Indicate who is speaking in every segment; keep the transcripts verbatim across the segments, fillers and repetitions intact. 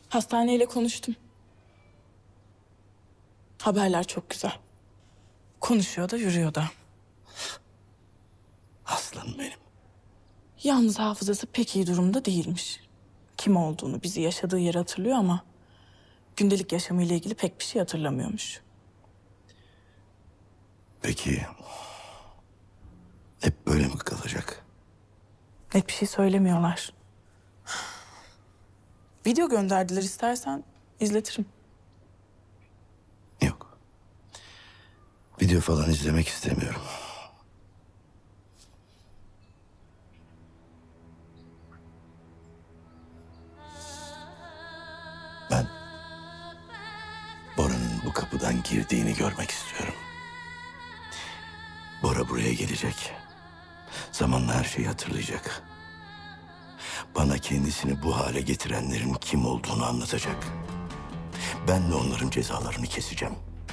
Speaker 1: Hastaneyle konuştum. Haberler çok güzel. Konuşuyor da yürüyor da.
Speaker 2: Aslanım benim.
Speaker 1: Yalnız hafızası pek iyi durumda değilmiş. Kim olduğunu, bizi yaşadığı yeri hatırlıyor ama... gündelik yaşamıyla ilgili pek bir şey hatırlamıyormuş.
Speaker 2: Peki hep böyle mi kalacak?
Speaker 1: Net bir şey söylemiyorlar. Video gönderdiler, istersen izletirim.
Speaker 2: Yok. Video falan izlemek istemiyorum. Ben Bora'nın bu kapıdan girdiğini görmek istiyorum. Bora buraya gelecek. Zamanla her şeyi hatırlayacak. Bana kendisini bu hale getirenlerin kim olduğunu anlatacak. Ben de onların cezalarını keseceğim.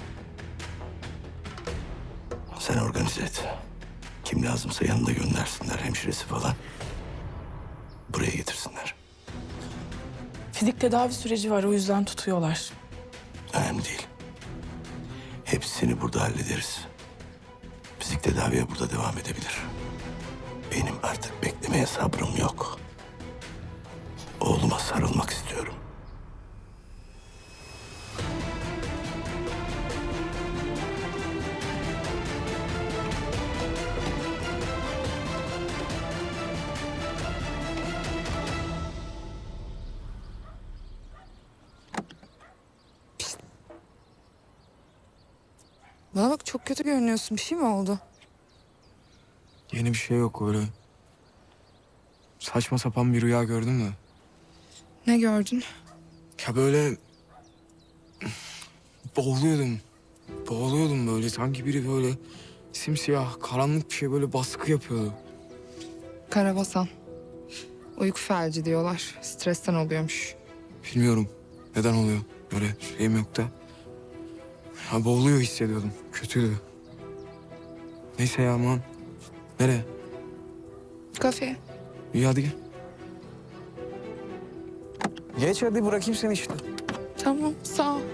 Speaker 2: Sen organize et. Kim lazımsa yanında göndersinler, hemşiresi falan. Buraya getirsinler.
Speaker 1: Fizik tedavi süreci var, o yüzden tutuyorlar.
Speaker 2: Önemli değil. Hepsini burada hallederiz. Fizik tedaviye burada devam edebilir. Benim artık beklemeye sabrım yok. Oğluma sarılmak istiyorum.
Speaker 3: Bana bak, çok kötü görünüyorsun. Bir şey mi oldu?
Speaker 4: Yeni bir şey yok öyle. Saçma sapan bir rüya gördün mü?
Speaker 3: Ne gördün?
Speaker 4: Ya böyle... boğuluyordum. Boğuluyordum böyle. Sanki biri böyle simsiyah, karanlık bir şey böyle baskı yapıyordu.
Speaker 3: Karabasan. Uyku felci diyorlar. Stresten oluyormuş.
Speaker 4: Bilmiyorum neden oluyor. Böyle şeyim yok da. Ya boğuluyor hissediyordum. Kötüydü. Neyse ya aman. Nereye?
Speaker 3: Kafeye.
Speaker 4: İyi hadi gel. Geç hadi, bırakayım seni işte.
Speaker 3: Tamam, sağ ol.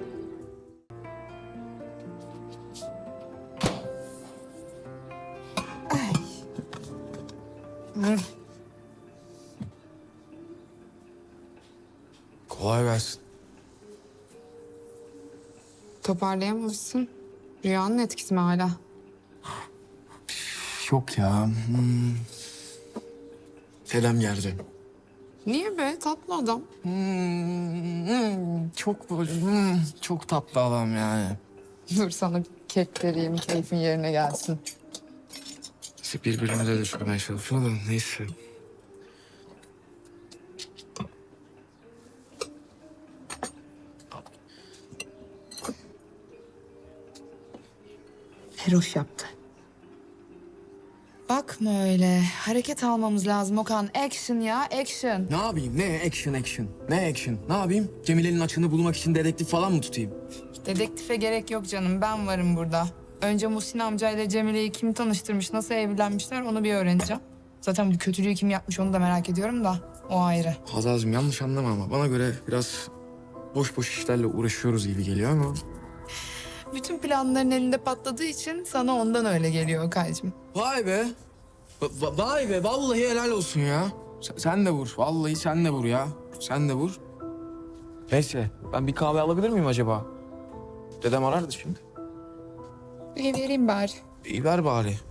Speaker 4: Kolay gelsin.
Speaker 3: Toparlayamamışsın. Rüyanın etkisi mi hala?
Speaker 4: Yok ya. Hmm. Selam geldi.
Speaker 3: Niye be? Tatlı adam.
Speaker 4: Hmm, hmm, çok böyle, hmm, çok tatlı adam yani.
Speaker 3: Dur sana bir kek vereyim, keyfin yerine gelsin.
Speaker 4: İşte birbirimize düşürmeye çalışıyor da neyse.
Speaker 3: Feroş yaptı. Bakma öyle. Hareket almamız lazım Okan. Action ya, action.
Speaker 4: Ne yapayım? Ne action action? Ne action? Ne yapayım? Cemile'nin açığını bulmak için dedektif falan mı tutayım?
Speaker 3: Dedektife gerek yok canım. Ben varım burada. Önce Muhsin amcayla Cemile'yi kim tanıştırmış, nasıl evlenmişler onu bir öğreneceğim. Zaten bu kötülüğü kim yapmış onu da merak ediyorum da. O ayrı.
Speaker 4: Hazal'cığım yanlış anlama ama bana göre biraz boş boş işlerle uğraşıyoruz gibi geliyor ama...
Speaker 3: Bütün planların elinde patladığı için sana ondan öyle geliyor Okan'cığım.
Speaker 4: Vay be. Va- vay be, vallahi helal olsun ya. Sen, sen de vur, vallahi sen de vur ya. Sen de vur. Neyse, ben bir kahve alabilir miyim acaba? Dedem arardı şimdi.
Speaker 3: İyi vereyim bari.
Speaker 4: İyi ver bari.